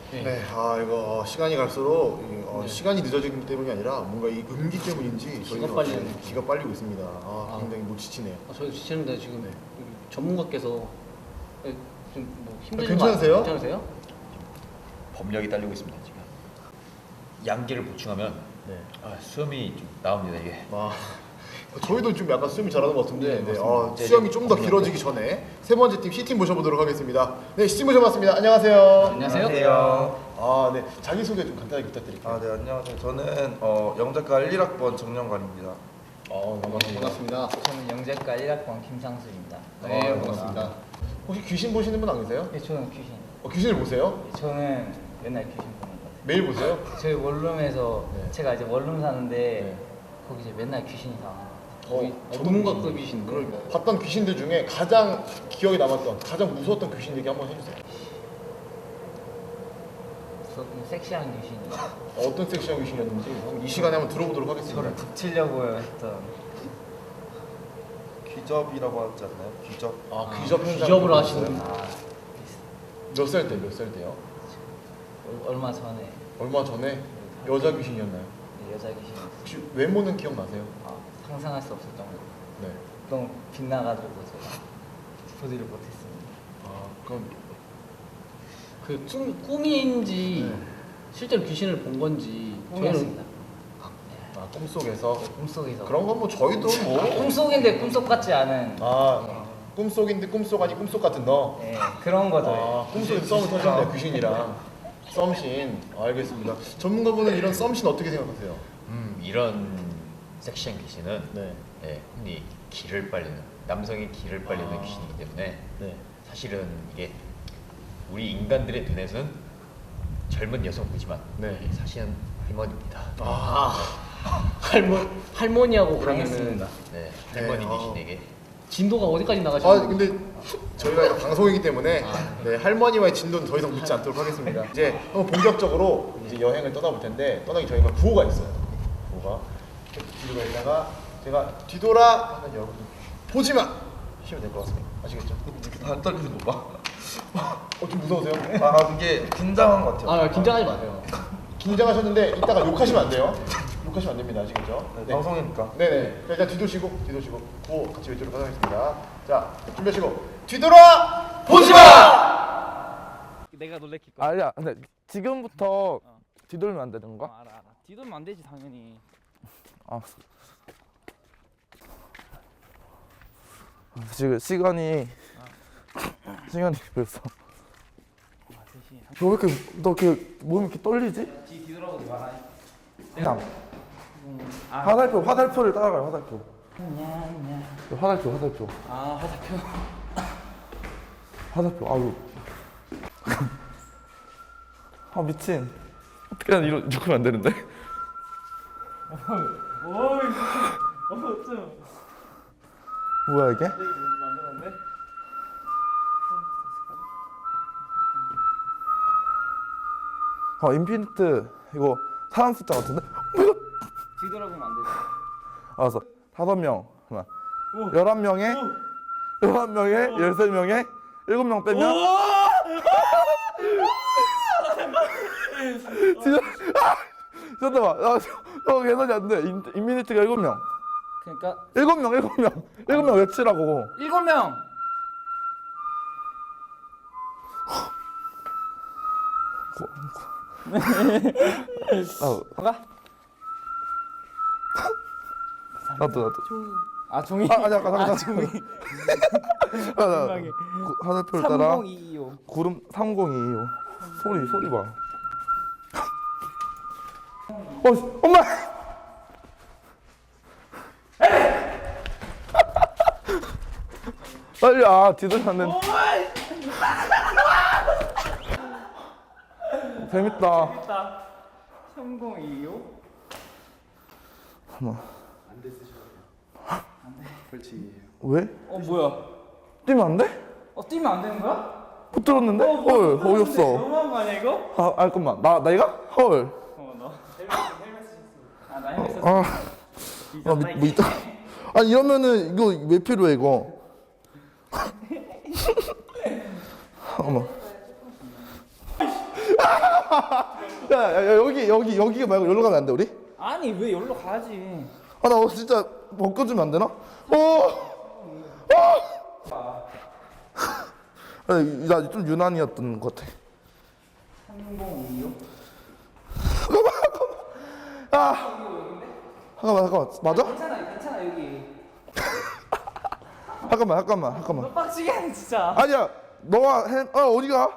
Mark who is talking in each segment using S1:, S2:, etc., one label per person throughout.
S1: 네, 이거 시간이 갈수록 시간이 늦어지기 때문이 아니라 뭔가 이 음기 때문인지 저희는 기가 빨리고 있습니다. 굉장히 못 지치네요.
S2: 저희도 지치는데 지금 여기 전문가께서 좀뭐 힘드신
S1: 괜찮으세요?
S2: 거 괜찮으세요?
S3: 법력이 딸리고 있습니다 지금. 양기를 보충하면 수염이 좀 나옵니다 이게.
S1: 저희도 좀 약간 수염이 자라는 것 같은데
S3: 맞습니다.
S1: 수염이 좀 더 길어지기 전에 세 번째 팀 C팀 모셔보도록 하겠습니다. 네, C팀 모셔봤습니다. 안녕하세요.
S2: 안녕하세요.
S1: 네, 자기소개 좀 간단하게 부탁드릴게요.
S4: 네, 안녕하세요. 저는 영작과 1학번 정영관입니다.
S1: 반갑습니다.
S5: 저는 영재과 1학번 김상수입니다.
S1: 네, 반갑습니다. 혹시 귀신 보시는 분 안 계세요?
S5: 네, 저는 귀신.
S1: 귀신을 보세요?
S5: 네, 저는 맨날 귀신 보는 것 같아요.
S1: 매일 보세요?
S5: 저희 원룸에서 제가 이제 원룸 사는데
S1: 네.
S5: 거기 이제 맨날 귀신이 나와요.
S2: 전문가급이신데.
S1: 그럼 봤던 귀신들 중에 가장 기억에 남았던, 가장 무서웠던 귀신 얘기 한번 해주세요.
S5: 좀 섹시한 귀신이
S1: 어떤 섹시한 귀신이었는지 이 시간에 한번 들어보도록 하겠습니다.
S5: 저를 붙이려고 했던.
S4: 귀접이라고 하지 않나요? 귀접.
S1: 귀접 현장.
S2: 기접을 하시는.
S1: 몇 살 때, 몇 살 때요?
S5: 얼마 전에
S1: 얼마 전에 여자 귀신이었나요?
S5: 여자 귀신이
S1: 혹시 외모는 기억나세요?
S5: 상상할 수 없을 정도로
S1: 네.
S5: 너무 빛나가지고 제가 보지를 못했습니다.
S1: 그럼
S2: 그 꿈인지 실제로 귀신을 본 건지
S5: 꿈이었습니다.
S1: 꿈속에서
S5: 꿈속에서.
S1: 그런 건 뭐 저희도
S5: 꿈속인데 꿈속 같지 않은.
S1: 꿈속인데 꿈속 아니 꿈속 같은 너.
S5: 네, 그런 거죠.
S1: 꿈속에서 썸을 터졌네요 귀신이랑. 썸신. 알겠습니다. 전문가분은 이런 썸신 어떻게 생각하세요?
S3: 이런 섹시한 귀신은
S1: 네.
S3: 흔히 기를 빨리는 남성의 기를 빨리는 귀신이기 때문에
S1: 네.
S3: 사실은 이게 우리 인간들의 눈에서는 젊은 여성 보지만 사실은 할머니입니다.
S2: 할머니하고 그러면은
S5: 당했습니다.
S3: 할머니 귀신에게
S2: 진도가 어디까지 나가시나요?
S1: 근데 저희가 이거 방송이기 때문에 할머니와의 진도는 더 이상 묻지 않도록 하겠습니다. 이제 한번 본격적으로 이제 여행을 떠나볼 텐데 떠나기 저희가 구호가 있어요. 구호가 뒤로 있다가 제가 뒤돌아 하면 여러분 보지 마 하시면 될 것 같습니다. 아시겠죠?
S4: 안 떨리는 거 봐.
S1: 좀 무서우세요?
S4: 그게 긴장한 것 같아요.
S2: 긴장하지 마세요.
S1: 긴장하셨는데 이따가 욕하시면 안 돼요. 욕하시면 안 됩니다. 아시겠죠?
S4: 네, 방송이니까.
S1: 네네. 자, 일단 뒤도시고 구호 같이 외치도록 하겠습니다. 자, 준비하시고 뒤돌아 보지 마.
S2: 내가 놀래킬 거야.
S6: 아니야, 근데 지금부터 뒤돌면 안 되는 거야?
S2: 알아. 뒤돌면 안 되지 당연히.
S6: 지금 시간이 벌써. 너 이렇게 몸이 이렇게 떨리지?
S5: 뒤돌아보지 마라.
S6: 그냥 화살표를 따라가요. 화살표. 화살표. 화살표. 아유. 미친. 어떻게 이러면 안 되는데? 뭐야 이게? 인피니트 이거 사람 숫자 같은데?
S5: 뒤돌아보면 안 되지.
S6: 알았어. 5명. 11명에 13명에 7명 빼면 진짜 잠깐만. 계산이 안 돼. 인피니트가 7명.
S5: 그러니까
S6: 7명 외치라고.
S5: 7명.
S6: 가? 나도.
S5: 종이.
S6: 잠깐.
S5: 종이.
S6: 화살표를 따라
S5: 3025.
S6: 구름 3025. 소리 봐. 엄마! 빨리 뒤돌았는데. 재밌다.
S5: 3025.
S6: 왜?
S5: 뭐야?
S6: 뛰면 안 돼?
S5: 뛰면 안 되는 거야?
S6: 못 들었는데? 헐, 어이없어.
S5: 너무한 거 아니야 이거?
S6: 잠깐만. 내가? 헐.
S5: 너 나 헬멧 썼어.
S6: 뭐 있다. 아니, 이러면은, 이거 왜 필요해, 이거? 어머. 야, 여기 말고 여기로 가면 안 돼, 우리?
S5: 아니 왜 여기로 가야지.
S6: 아, 나 진짜 벗겨주면 안 되나? 나 좀 유난이었던 것 같아.
S5: 3025?
S6: 잠깐만. 맞아?
S5: 괜찮아 여기.
S6: 잠깐만.
S5: 너 빡치게 하네 진짜.
S6: 아니야, 너가 어디가?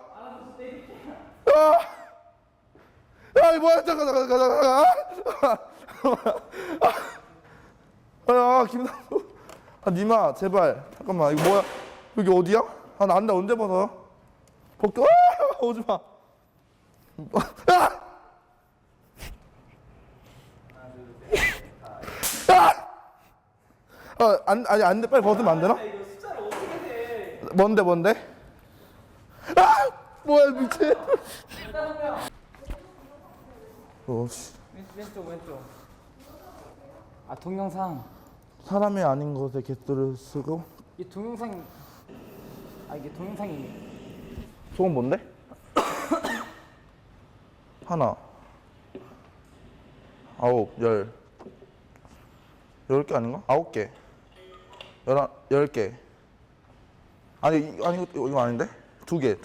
S6: 야, 뭐야? 잠깐. 김남도. 니마, 제발. 잠깐만, 이거 뭐야? 여기 어디야? 나 안돼, 언제 벗어? 벗겨. 오지 마. 아니, 안 돼. 빨리 벗으면 안 되나?
S5: 이거 숫자를 어떻게 해?
S6: 뭔데? 뭐야, 미친. 씨.
S5: 왼쪽. 아 동영상.
S6: 사람이 아닌 것에 개수를 쓰고.
S5: 이 동영상. 아 이게 동영상이.
S6: 소금 뭔데? 하나, 9, 10개 아닌가? 9개, 10개. 아니 이거 아닌데? 두 개.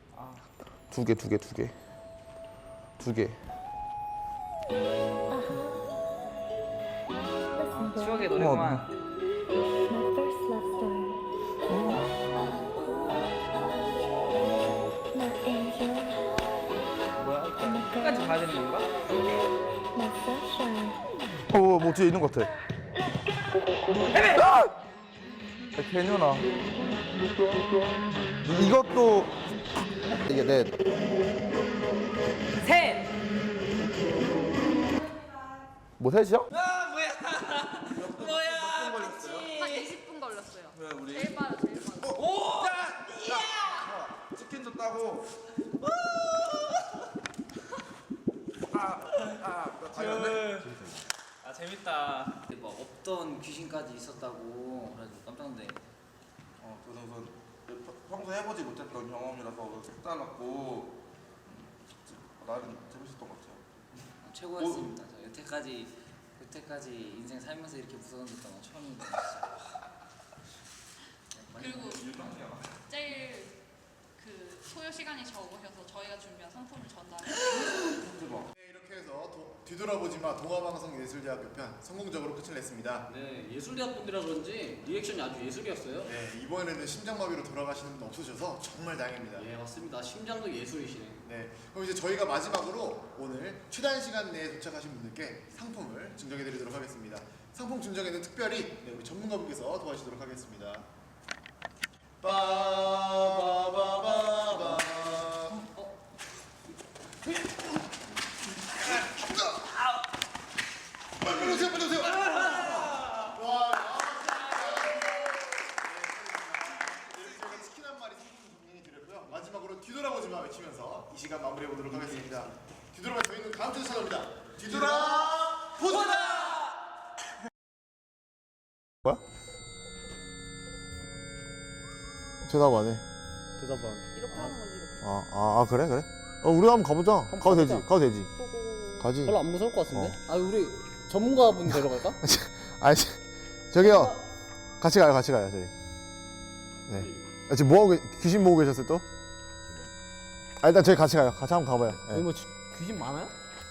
S5: 추억의 노래구만.
S7: My first love story. My angel,
S5: 뭐야? 끝까지 봐야 되는 건가?
S7: my sunshine.
S6: 뭐 뒤에 있는 것 같아. 개년아. 이것도 이게 넷.
S5: 셋.
S6: 뭐 셋이야?
S8: 한 20분 걸렸어요.
S4: 왜 우리?
S8: 제일 빠르.
S4: 치킨도 따고.
S5: 아 재밌다.
S2: 막 없던 귀신까지 있었다고 그래서 깜짝 놀래.
S4: 그래서 평소 해보지 못했던 경험이라서 색달랐고 나름 재밌었던 것 같아요.
S2: 최고였습니다. 저 여태까지 인생 살면서 이렇게 무서웠던 건 처음인데
S8: 그리고 제일 그 소요 시간이 적으셔서 저희가 준비한 상품을 전달해요.
S1: 네, 이렇게 해서 뒤돌아보지마 동화방송예술대학교 편 성공적으로 끝을 냈습니다.
S2: 네, 예술대학 분들이라 그런지 리액션이 아주 예술이었어요.
S1: 네, 이번에는 심장마비로 돌아가시는 분 없으셔서 정말 다행입니다.
S2: 예, 맞습니다. 심장도 예술이시네.
S1: 네, 그럼 이제 저희가 마지막으로 오늘 최단 시간 내에 도착하신 분들께 상품을 증정해드리도록 하겠습니다. 상품 증정에는 특별히 우리 전문가분께서 도와주시도록 하겠습니다. 빠바바바바. 빨리 오세요. 와. 저희가 치킨 한 마리 상품 드렸고요. 마지막으로 뒤돌아보지 마 외치면서 이 시간 마무리해 보도록 하겠습니다. 뒤돌아봐 저희는 다음 주에 찾아옵니다. 뒤돌아보자. 뭐야? 대답 안 해.
S2: 대답 안.
S8: 이렇게 하는 거지 이렇게.
S1: 그래? 우리 한번 가보자. 가도 되지. 가지.
S2: 별로 안 무서울 것 같은데? 아 우리 전문가분 데려갈까?
S1: 아니 저기요. 같이 가요 저희. 네. 지금 뭐하고 귀신 보고 계셨어요 또? 일단 저희 같이 가요. 같이 한번 가봐요.
S2: 여기 뭐 귀신 많아요?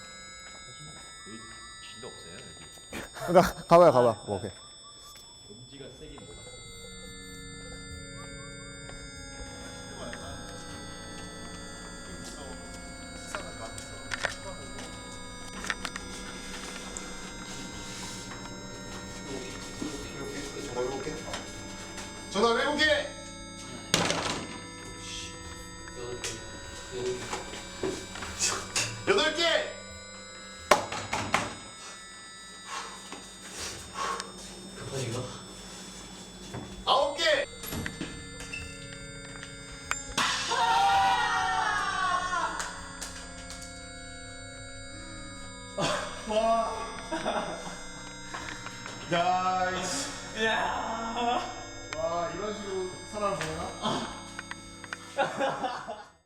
S3: 귀신도 없어요 여기.
S1: 그러니까 가봐요. 오케이.
S3: 음지가 세긴 뭐가 세.
S1: 전화해볼게. 여덟 개.
S2: 급하신가?
S1: 아홉 개. 와. 나이스. 와 이런 식으로 사람을 보내나?